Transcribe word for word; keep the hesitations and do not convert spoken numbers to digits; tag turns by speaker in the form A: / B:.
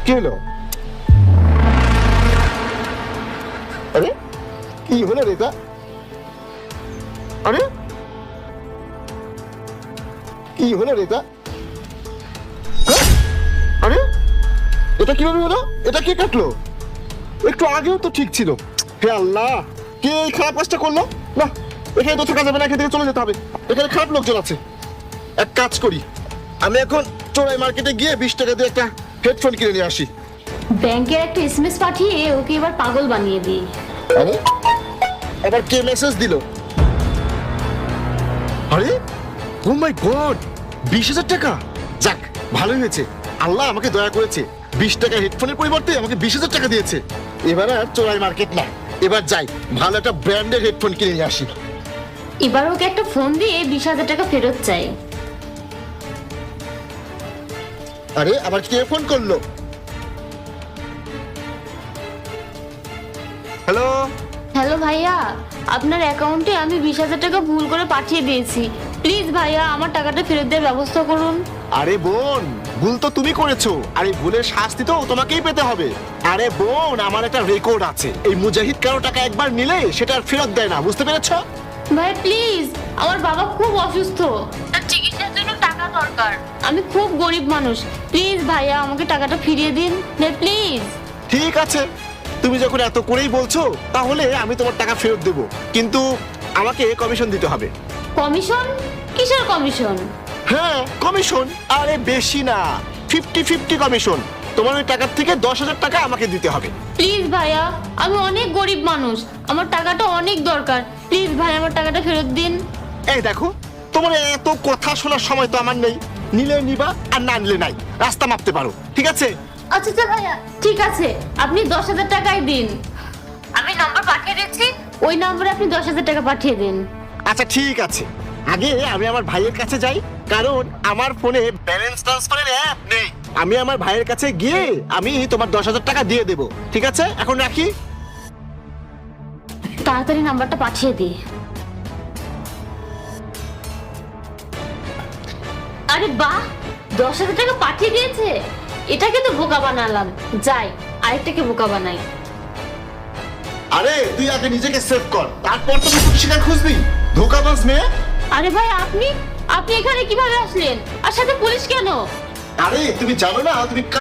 A: কি হলো? আরে কি হলো রে এটা? আরে কি হলো রে এটা? হ্যাঁ? আরে এটা কিভাবে হলো? এটা কে কাটলো? একটু আগেও তো ঠিক ছিল। হে আল্লাহ, কে এই খারাপ কাজটা করলো? না, এখানে তো থাকা যাবে না, এখান থেকে চলে যেতে হবে। এখানে খারাপ লোকজন আছে। এক কাজ করি, আমি এখন চোরাই মার্কেটে গিয়ে বিশ টাকা দিয়ে একটা হেডফোন কিনে নিয়ে আসি।
B: ব্যাংকের একটা এসএমএস পাঠিয়ে ওকে এবার পাগল বানিয়ে দিই।
A: আরে আবার কে মেসেজ দিল? আরে ও মাই গড, বিশ হাজার টাকা! যাক, ভালোই হয়েছে, আল্লাহ আমাকে দয়া করেছে। বিশ টাকা হেডফোনের পরিবর্তে আমাকে বিশ হাজার টাকা দিয়েছে। এবার আর চোরাই মার্কেট না, এবার যাই ভালো একটা ব্র্যান্ডের হেডফোন কিনে নিয়ে আসি।
B: এবার ওকে একটা ফোন দিয়ে বিশ হাজার টাকা ফেরত চাই।
A: আরে আবার কে ফোন করলো? হ্যালো,
B: হ্যালো ভাইয়া, আপনার অ্যাকাউন্টে আমি বিশ হাজার টাকা ভুল করে পাঠিয়ে দিয়েছি। প্লিজ ভাইয়া আমার টাকাটা ফেরত দেওয়ার ব্যবস্থা করুন।
A: আরে বোন, ভুল তো তুমি করেছো, আর এই ভুলের শাস্তি তো তোমাকেই পেতে হবে। আরে বোন, আমার একটা রেকর্ড আছে, এই মুজাহিদ কারো টাকা একবার নিলে সেটা আর ফেরত দেয় না, বুঝতে পেরেছো?
B: ভাই প্লিজ, আমার বাবা খুব অসুস্থ, তার চিকিৎসার জন্য টাকা দরকার। আমি খুব গরিব মানুষ, প্লিজ ভাইয়া আমাকে টাকাটা ফিরিয়ে দিন প্লিজ।
A: ঠিক আছে, তুমি যখন এত করেই বলছো তাহলে আমি তোমার টাকা ফেরত দেবো, কিন্তু আমাকে কমিশন দিতে হবে।
B: কমিশন? কিসের কমিশন?
A: হ্যাঁ কমিশন, আরে বেশি না, ফিফটি ফিফটি কমিশন। তোমার ওই টাকার থেকে দশ হাজার টাকা আমাকে দিতে হবে।
B: প্লিজ ভাইয়া, আমি অনেক গরিব মানুষ, আমার টাকাটা অনেক দরকার, প্লিজ ভাই আমার টাকাটা ফেরত দিন।
A: এই দেখো, তোমার এত কথা শোনার সময় তো আমার নেই, নিলে নিবা আর না নিলে নাই, রাস্তা মাপতে পারো, ঠিক আছে?
B: আচ্ছা আচ্ছা ভাইয়া, ঠিক আছে, আপনি দশ হাজার টাকাই দিন। আমি নাম্বার পাঠিয়ে দিচ্ছি, ওই নম্বরে আপনি দশ হাজার টাকা পাঠিয়ে দিন।
A: আচ্ছা ঠিক আছে, আগে আমি আমার ভাইয়ের কাছে যাই, কারণ আমার ফোনে ব্যালেন্স ট্রান্সফারের অ্যাপ নেই। আমি আমার ভাইয়ের কাছে গিয়ে আমি তোমার দশ হাজার টাকা দিয়ে দেবো, ঠিক আছে? এখন রাখি।
B: তাড়াতাড়ি নাম্বারটা পাঠিয়ে দিই। আরে বাহ, দশ হাজার টাকা পাঠিয়ে দিয়েছে, এটাকে তো বোকা বানালাম। যাই আরেকটাকে বোকা বানাই।
A: আরে তুই আগে নিজেকে সেভ কর, তারপর তুমি কোনো শিকার খুঁজবি, ধোকাবাজ মেয়ে।
B: আরে ভাই আপনি আপনি এখানে কিভাবে আসলেন, আর সাথে পুলিশ কেন?
A: আরে তুমি জানো না তুমি